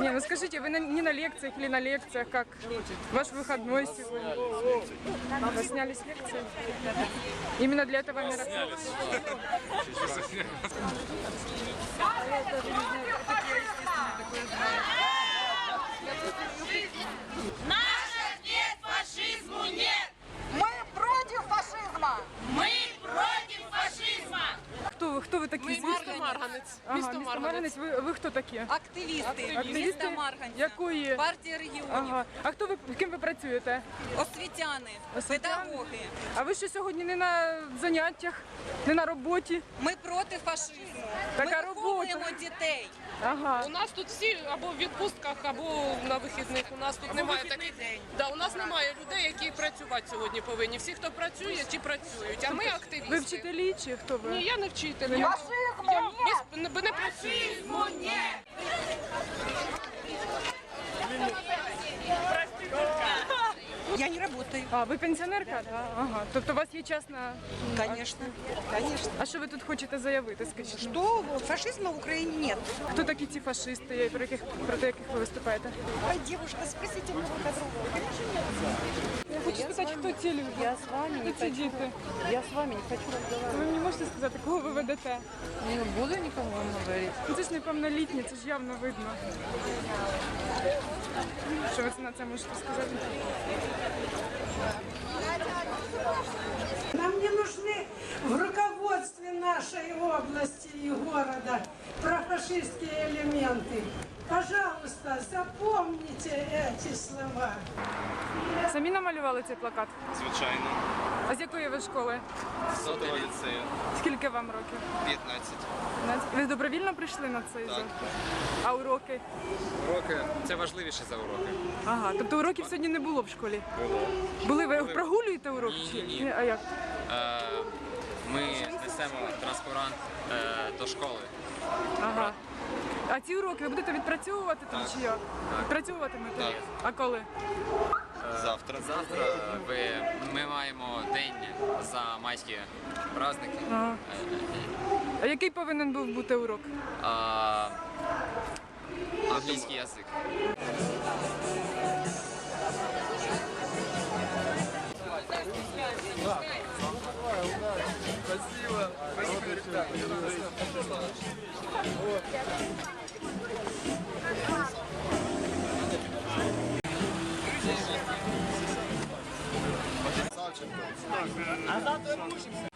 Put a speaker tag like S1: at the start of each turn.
S1: Не, ну скажите, вы не на лекциях или на лекциях, как ваш выходной сегодня? Вы сняли с лекции? Именно для этого мероприятия?
S2: Наша нет, фашизму нет!
S3: Мы против фашизма!
S2: Мы против фашизма!
S1: Кто вы такие?
S4: Місто Марганець.
S1: Ага,
S4: Місто
S1: місто
S4: Марганець.
S1: Марганець. Ви хто такі?
S3: Активісти
S1: Активісти?
S3: міста Марганця,
S1: Якої?
S3: партія регіонів,
S1: Ага. А хто ви, ким ви працюєте?
S3: освітяни,
S1: Освітяни?
S3: педагоги.
S1: А ви що сьогодні не на заняттях, не на роботі?
S3: Ми проти фашизму.
S1: Така
S3: Ми
S1: робота.
S3: виховуємо дітей.
S1: Ага.
S4: У нас тут всі або в відпустках, або на вихідних. У нас тут немає таких. Да, у нас немає людей, які працювати сьогодні повинні. Всі, хто працює, ті працюють. А ми активісти.
S1: Ви вчителі чи хто ви?
S4: Ні, я не вчитель.
S3: Фашизму
S4: Я не працюю.
S2: Фашизму нет!
S3: Я не работаю.
S1: А, ви пенсіонерка? Да? Ага. Тобто у вас є частна...
S3: Конечно, конечно.
S1: А що ви тут хочете заявити, скажіть?
S3: Что фашизма в Украине нет.
S1: Хто такі ці фашисти, проти яких ви виступаєте?
S3: Ой, девушка, спросите моего подругу.
S1: Я хочу спитати, хто ці люди?
S5: Я с вами не
S1: Хто ці
S5: хочу.
S1: діти?
S5: Я с вами не хочу разговаривать.
S1: Ви мені можете сказати, кого ви ведете?
S5: Не буду никому говорить.
S1: Ну, це ж неповнолітні, це ж явно видно. Що ви на це можете сказати?
S6: Нам не нужны в руководстве нашей области и города профашистские элементы. Пожалуйста, запомните эти слова.
S1: Самі намалювали цей плакат?
S7: Звичайно.
S1: А з якої ви школи?
S7: Сотого ліцею.
S1: Скільки вам років?
S7: 15.
S1: 15? Ви добровільно прийшли на цей захід? А уроки?
S8: Уроки це важливіше за уроки.
S1: Ага, тобто уроків сьогодні не було в школі?
S8: Було.
S1: Були? Ви прогулюєте уроки?
S8: Ні.
S1: А як?
S8: Ми несемо транспарант до школи.
S1: Ага. А ці уроки ви будете відпрацьовувати там
S8: Так.
S1: чи як? Відпрацьовуватимете?
S8: Так.
S1: А коли?
S7: Завтра.
S8: Завтра ми маємо день за майські праздники.
S1: Ага. А який повинен був бути урок?
S8: Англійський язик.
S7: А завтра